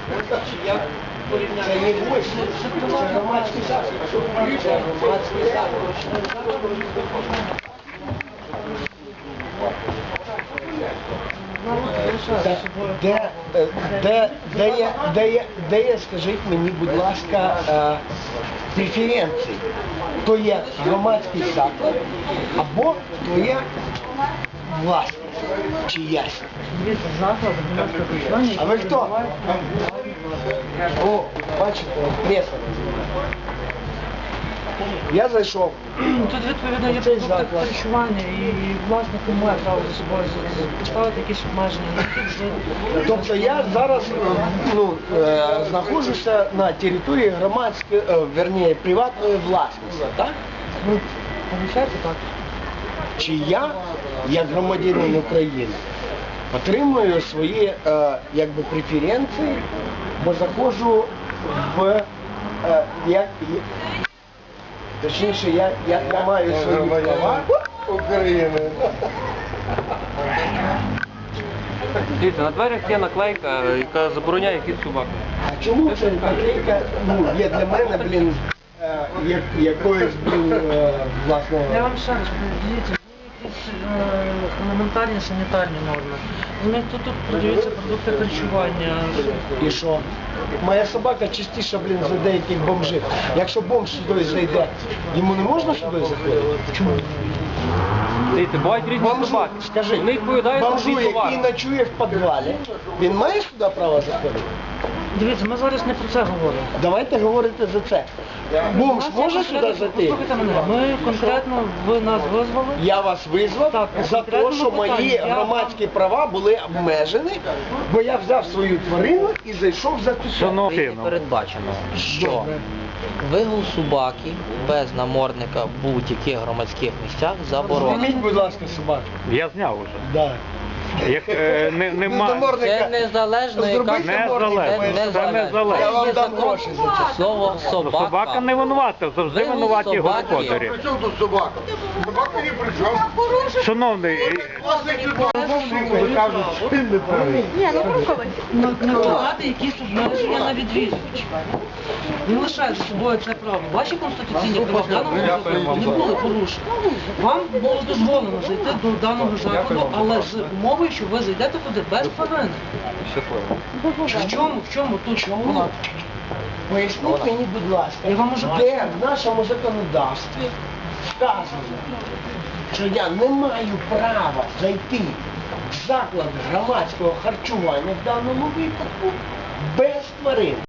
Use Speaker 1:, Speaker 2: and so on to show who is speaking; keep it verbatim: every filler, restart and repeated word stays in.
Speaker 1: Як порівняти? Це не гості, це громадський заклад. Це громадський заклад. Де, де, де, є, де, є, де є, скажіть мені, будь ласка, е, преференції? То є громадський заклад або то є власність чиясь. А ви хто? О, бачите, преса називає. Я зайшов.
Speaker 2: Тут відповідно є продукти харчування і власник не має права за собою поставити якісь обмеження.
Speaker 1: Тобто я зараз ну, е, знаходжуся на території громадської, е, верніше, приватної власності, так?
Speaker 2: Ну, виходить так.
Speaker 1: Чи я, як громадянин України, отримую свої е, якби, преференції, бо заходжу в е, як, точніше, я, я тримаю свої права України.
Speaker 3: Дивіться, на дверях є наклейка, яка забороняє хід собак.
Speaker 1: А чому ця наклейка, ну, є для мене, блін, е, як, якоюсь, блін, е, власне...
Speaker 2: Я вам ще раз кажу, дивіться, є якісь е, елементарні санітарні норми. Вони тут, тут продаються продукти харчування.
Speaker 1: І що? Моя собака частіше, блін, за деяких бомжів. Якщо бомж сюди зайде, йому не можна сюди заходити? Чому?
Speaker 3: Дивіться, бувають різні
Speaker 1: Бомжу,
Speaker 3: собаки.
Speaker 1: скажи,
Speaker 3: Вони відповідають за
Speaker 1: бомжу,
Speaker 3: свій товар.
Speaker 1: який ночує в підвалі, він має сюди право заходити?
Speaker 2: Дивіться, ми зараз не про це говоримо.
Speaker 1: Давайте говорити за це. Бомж
Speaker 2: У нас є
Speaker 1: може сюди
Speaker 2: конкретно-
Speaker 1: зайти?
Speaker 2: Послухайте мене, ми конкретно, ви нас визвали.
Speaker 1: Я вас визвав
Speaker 2: Так,
Speaker 1: за те,
Speaker 2: конкретно
Speaker 1: що
Speaker 2: питання.
Speaker 1: мої
Speaker 2: Я
Speaker 1: громадські права були обмежені, бо я взяв свою тварину і зайшов за ту
Speaker 4: Шановний,
Speaker 5: Передбачено, що
Speaker 1: Добре.
Speaker 5: вигул собаки без намордника в будь-яких громадських місцях заборонено.
Speaker 1: Зніміть, будь ласка, собаку.
Speaker 4: я зняв уже.
Speaker 1: Да.
Speaker 4: Як е, не, нема.
Speaker 1: намордника.
Speaker 5: Це незалежно, яка
Speaker 1: Зробіть
Speaker 4: Не
Speaker 1: намордника.
Speaker 4: залежно. Це не залежно.
Speaker 1: Я вам
Speaker 5: Є
Speaker 1: дам
Speaker 5: закон.
Speaker 1: гроші за це.
Speaker 5: Слово
Speaker 4: Ну,
Speaker 5: собака.
Speaker 4: собака не винувата, завжди
Speaker 5: Вигул
Speaker 4: винуваті
Speaker 5: собаки.
Speaker 4: господарі.
Speaker 6: При чому тут собака? Собака ні при чому.
Speaker 4: Шановний,
Speaker 1: Слухай, кажуть, що ти не правий.
Speaker 2: накладати якісь обмеження на відвідувачів. Він лишає за собою це право. Ваші конституційні права в даному випадку не були порушені. Вам було дозволено зайти до даного закладу, але з умовою, що ви зайдете туди без тварини. В чому, в чому тут чому?
Speaker 1: Поясніть мені, будь ласка,
Speaker 2: Я вам можу
Speaker 1: де в нашому законодавстві сказано, що я не маю права зайти в заклад громадського харчування в даному випадку без тварин.